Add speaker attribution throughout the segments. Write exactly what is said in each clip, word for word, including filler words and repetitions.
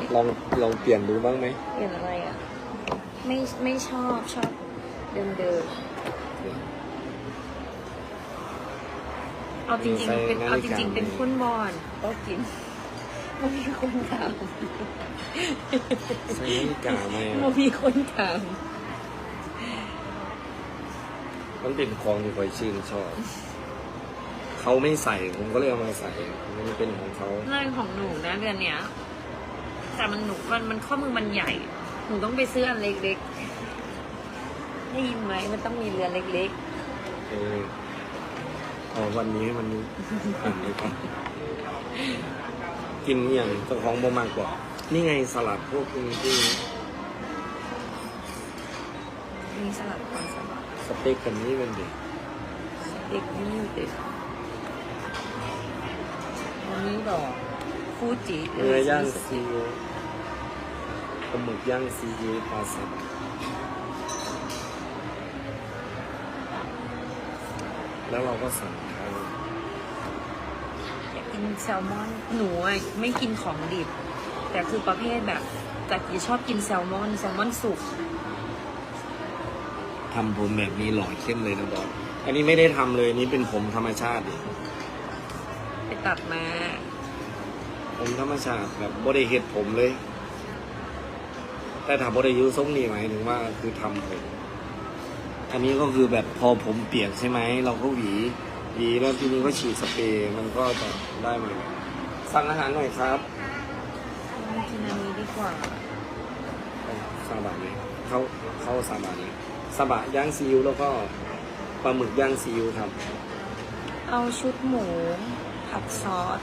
Speaker 1: ลองลองเปลี่ยนดูบ้างไหม
Speaker 2: เปลี่ยนอะไรอ่ะไม่ไม่ชอบชอบเดิมเดิมเอาจริงๆเป็นเอาจริงๆเป็นคนบอลก็กินไม่มีคนถาม
Speaker 1: ใช่นาฬิกาไหม
Speaker 2: ไม่มีคนถาม
Speaker 1: มันเป็นของที่คอยชื่นชอบเขาไม่ใส่ผมก็เลยเอามาใส่มันเป็นของเขา
Speaker 2: เรื่องของหนูนะเดือนเนี้ยแต่มันหนูมันมันข้อมือมันใหญ่หนูต้องไปซื้ออันเล็กๆได้ยินไหมมันต้องมีเรือนเล็ก
Speaker 1: ๆเอออ๋อวันนี้มันอ่านเลยครับกินอย่างเจ้าของบ่มากกว่านี่ไงสลัดพวกนี้ที่
Speaker 2: มีสลัดก่อนสลัด
Speaker 1: สเต็กกันนี้เป็นเด็ก
Speaker 2: สเต็กนี่เด็กวันนี้ดอกฟูจิ
Speaker 1: เนื้อย่างซีอิ๊วปลาหมึกย่างซีอิ๊วปลาสับแล้วเราก็สั่งข้าว
Speaker 2: อยากกินแซลมอนหนูไม่กินของดิบแต่คือประเภทแบบแต่ที่ชอบกินแซลมอนแซลมอนสุก
Speaker 1: ทำผมแบบนี้หล่อเข้มเลยนะบอสอันนี้ไม่ได้ทำเลยนี่เป็นผมธรรมชาติ
Speaker 2: ไปตัดมา
Speaker 1: ผมธรรมชาติแบบบ่ได้เห็ดผมเลยแต่ถ้าบ่ได้ยูทรงนี่หมายถึงว่าคือทำผมอันนี้ก็คือแบบพอผมเปียกใช่ไหมเราก็หวีหวีแล้วทีนี้ก็ฉีดสเปรย์มันก็จะได้มาสั่งอาหารหน่อยครับ
Speaker 2: กินอันนี้ดีกว่า
Speaker 1: ซาบะไหมเขาเขาซาบะนี้ซาบะย่างซีอิ๊วแล้วก็ปลาหมึกย่างซีอิ๊วครับ
Speaker 2: เอาชุดหมูผัดซอส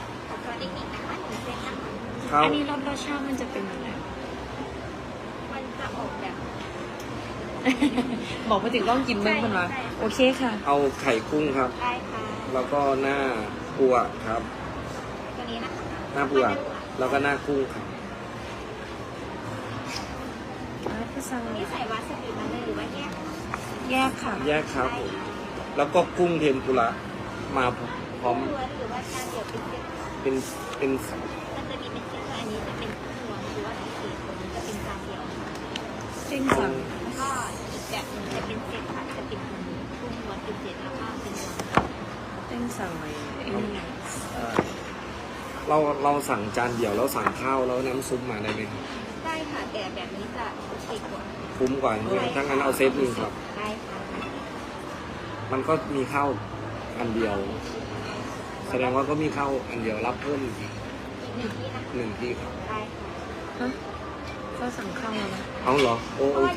Speaker 2: อันนี้รสรสชาติมันจะเป็นยังไง
Speaker 3: มันจะออกแบบ
Speaker 2: บอกไปถึงต้องกินเมื่อมันวะโอเคค่ะ
Speaker 1: เอาไข่กุ้งครับ
Speaker 3: ได้ค่ะ
Speaker 1: แล้วก็หน้าปูอัดครับ
Speaker 3: ตัวนี้นะคะ
Speaker 1: หน้าปูอัดแล้วก็หน้ากุ้งครับ
Speaker 3: นี่ใส่วาซาบิมาเลยหรือว่าแยก
Speaker 2: แยกค่ะ
Speaker 1: แยกครับแล้วก็กุ้งเทมปุระมาพร้อม
Speaker 3: หรือว่าจานเดียวเป็น
Speaker 1: เป็นเป็น
Speaker 3: มันจะมีเป็นเซตอันนี้จะเป็นกุ้งล้วนหรือว่าสีตัวนี้จะเป็นจานเดียว
Speaker 2: เส้นสั่ง
Speaker 3: แล้วก็อีกแบบนึงจะเป็นเซตค่ะจะเป็นตัวนี้กุ้งล้วนเป็นเซตแล้วก็เป็นล้วน
Speaker 2: เส้นสั่งอะไร
Speaker 1: เราเราสั่งจานเดียวแล้วสั่งข้าวแล้วน้ำซุปมาได้ไหมครับ
Speaker 3: ได้ค่ะแต่แบบนี้จะถูกกว่า
Speaker 1: คุ้มกว่าเนี่ยทั้งนั้นเอาเซตหนึ่งครับ
Speaker 3: ได้ค่ะ
Speaker 1: มันก็มีข้าวอันเดียวแสดงว่าก็มีข้าวอันเดียวรับเพิ่มอีก
Speaker 3: หนึ่งที่นะ
Speaker 1: หนึ่งที่ครับ
Speaker 3: ได้ค่ะ
Speaker 2: ฮะก็สั่งข้าวแล้วนะ
Speaker 1: เอาเหรอโอโอเค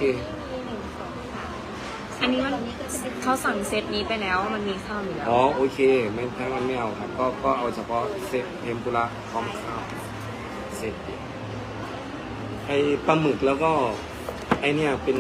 Speaker 2: อันนี้มันเขาสั่งเซตนี้ไปแล้วมันมีข้าวอยู่แล้ว
Speaker 1: อ๋อโอเคไม่ถ้ามันไม่เอาครับก็ก็เอาเฉพาะเซตเทมปุระพร้อมข้าวเซตไอปลาหมึกแล้วก็ไอเนี่ยเป็น